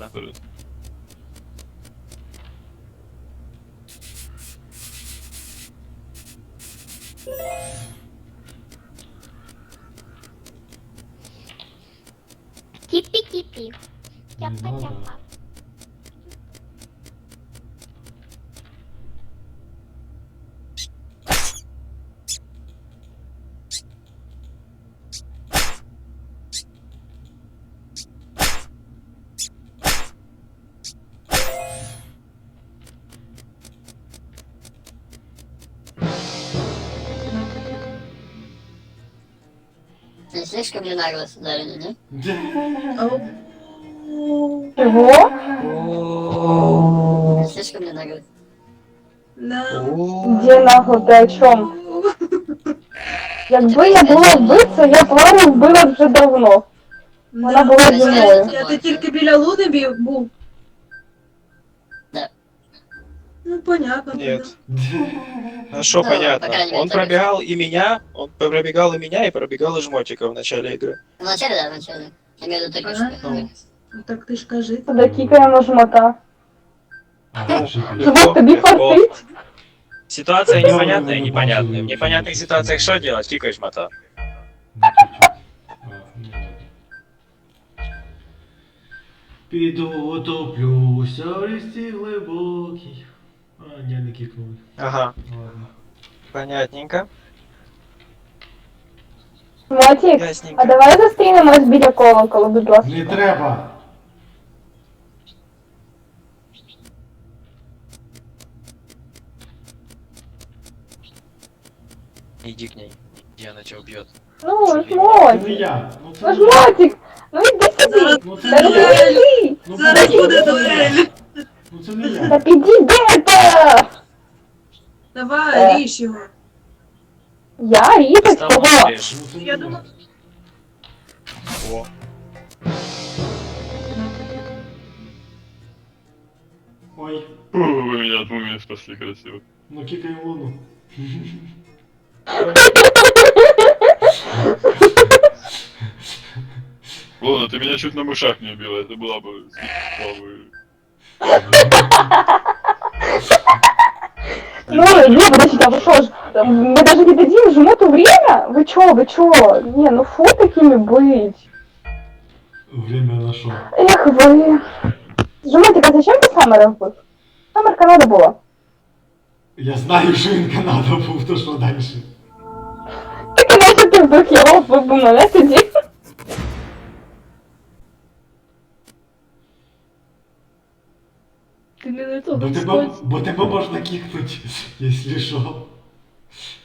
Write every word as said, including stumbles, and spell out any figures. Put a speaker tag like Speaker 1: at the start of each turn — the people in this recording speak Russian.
Speaker 1: надо.
Speaker 2: Кипи-кипи.
Speaker 3: Не надо.
Speaker 2: Тяпа-тяпа.
Speaker 4: Не слишком ли нагло ударили, да?
Speaker 5: Чого?
Speaker 4: Не слишком ли нагло?
Speaker 5: Де нахуй, ти о чому? Якби я була вбивця, я б Лару вбила вже давно. Вона була зі мною.
Speaker 6: Я ти тільки біля Луни бі- був.
Speaker 4: Да.
Speaker 6: Ну, понятно.
Speaker 1: Нет.
Speaker 6: тогда.
Speaker 1: Ну что
Speaker 4: Ну,
Speaker 1: понятно.
Speaker 4: по крайней мере,
Speaker 1: Он
Speaker 4: так и
Speaker 1: пробегал и меня, он пробегал и меня, и пробегал и жмотика в начале игры.
Speaker 4: В начале, да, в начале. Я имею в виду только что.
Speaker 6: Ага. Ну, так ти ж кажи.
Speaker 5: Туди кікаємо жмота.
Speaker 3: А,
Speaker 1: Ну,
Speaker 3: шипить.
Speaker 5: Жмот тобі фартить.
Speaker 1: Ситуация
Speaker 3: Да,
Speaker 1: непонятная,
Speaker 3: да, да,
Speaker 1: непонятная.
Speaker 3: да,
Speaker 1: В
Speaker 3: да,
Speaker 1: непонятных
Speaker 3: да.
Speaker 1: ситуациях что делать? Кикаешь мота.
Speaker 3: Ну, чуть-чуть. А, ну ладно. Піду утоплюся в річці глибокій. А, ні, не кикнули.
Speaker 1: Ага,
Speaker 3: Ладно.
Speaker 1: понятненько.
Speaker 5: Мотік,
Speaker 1: Ясненько.
Speaker 5: а давай зустрінемось біля колоколу, будь ласка.
Speaker 3: Не треба!
Speaker 1: Иди к ней, и она тебя убьет.
Speaker 5: Ну,
Speaker 3: Це не
Speaker 5: жмотик.
Speaker 3: я. Ну це
Speaker 5: Ну,
Speaker 3: не я.
Speaker 5: жмотик. Ну іди сюди.
Speaker 3: Ну це
Speaker 5: Та
Speaker 3: не
Speaker 5: ну
Speaker 3: я.
Speaker 5: підійди.
Speaker 3: Ну,
Speaker 6: Зараз
Speaker 3: будь
Speaker 6: буде
Speaker 3: ласка.
Speaker 6: дуель.
Speaker 3: Ну це не
Speaker 5: Та
Speaker 3: я.
Speaker 5: підійди та.
Speaker 6: Давай, ріж його.
Speaker 5: Я різать
Speaker 1: Там
Speaker 5: кого?
Speaker 1: режь.
Speaker 3: Ну це не
Speaker 6: Я думав,
Speaker 1: О.
Speaker 3: Ой,
Speaker 7: Вы меня от мумии спасли красиво.
Speaker 3: ну кикай луну.
Speaker 7: Ладно, ты меня чуть на мышах не убила, это была бы слава.
Speaker 5: Ну, не, подождите, а вы что ж, мы даже не дадим жмоту время? Вы чё, вы чё? Не, ну фу такими быть.
Speaker 3: Время на шо?
Speaker 5: Эх вы. Жмотик, а зачем ты Саммера вбив? Саммер Канада була.
Speaker 3: Я знаю, що він Канада був, то що далі?
Speaker 5: Так іначе ти вбив його, вбив би мене тоді.
Speaker 6: ти не на
Speaker 3: Бо тебе, бо тебе можна кікнуть, якщо що.